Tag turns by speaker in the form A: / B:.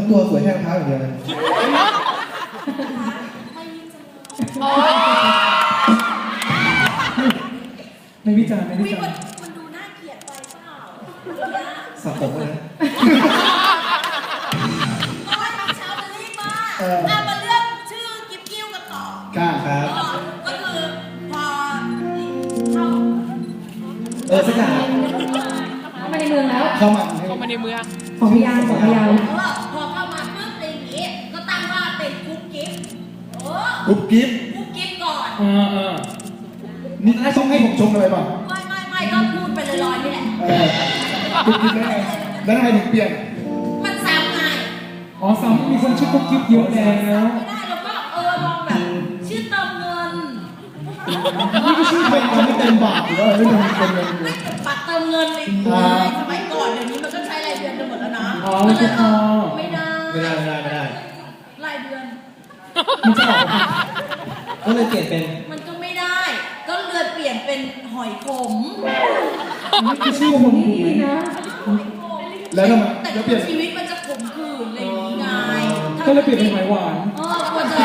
A: ตัวสวยแค่รองเท้าอย่างเดียวเลย
B: ไม่วิจารณ์ไม่วิ
C: วิ
B: จาร
C: มัน
B: ณ์
C: มันดูน่าเกลียดไปเปล่า
A: สับผมเลยนะ
C: โอ้ยทำเช้าจะรีบมากมาเลือกชื่อกิ๊บกิ้วกันต่อก
A: ล้าครับ
C: ก็คือพอเข้า
A: สักอย่าง
D: เข้ามาในเมืองแล้ว
A: เข้ามา
E: ในเมือง
D: ของพยานของพยาน
C: พอเข้ามาปุ๊บอะไรอย่างงี้ก็ตั้งว่าเป็นกุ๊กกิ๊บ
A: กุ๊บกิ๊บ
C: กุ๊กกิ๊บก่อน
A: นี่ต้องให้ผมชมอะไรป่ะ
C: ไม่ก็พูดไปลอยๆนี่แหละ
A: กุ๊บกิ๊บได้ไงแล้วทำไมถึงเปลี่ยน
C: มันซ้ำไง
B: อ๋อซ้ำมีคนชื่อกุ๊กกิ๊บเยอะแล้ว
C: ไม่ได้แล้วก็ลองแบบชื่อเติมเงิน
A: นี่ก็ชื่อเป็นไม่เต็มบาทหรือว่าไม่เต็มเงิน
C: ไม่แต่บัตรเติมเงินเลยสมัยก่อนเดี๋ยวนี้มันก็ใช้รายเดือนกันหมดแล้วนะ
B: อ๋อไม่ใช่พอ
C: ไม่ได้
A: ไม่ได้
C: รายเดือน
B: มันจะออก
A: ก็เลยเปลี่ยนเป็น
C: มันก็ไม่ได้ ก็เลยเปลี่ยนเป็นหอยขม
B: นี่คือชื่อผม
D: นี่
B: ถูกไหม
D: ดีนะ
A: แล้วทำไม
C: แต่
A: แล้วเปลี่ยน
C: ชีวิตมันจะขมขื่นอะไรอย่างงี้ไง
B: ก็เลยเปลี่ยนเป็นหอยหวาน
C: เออ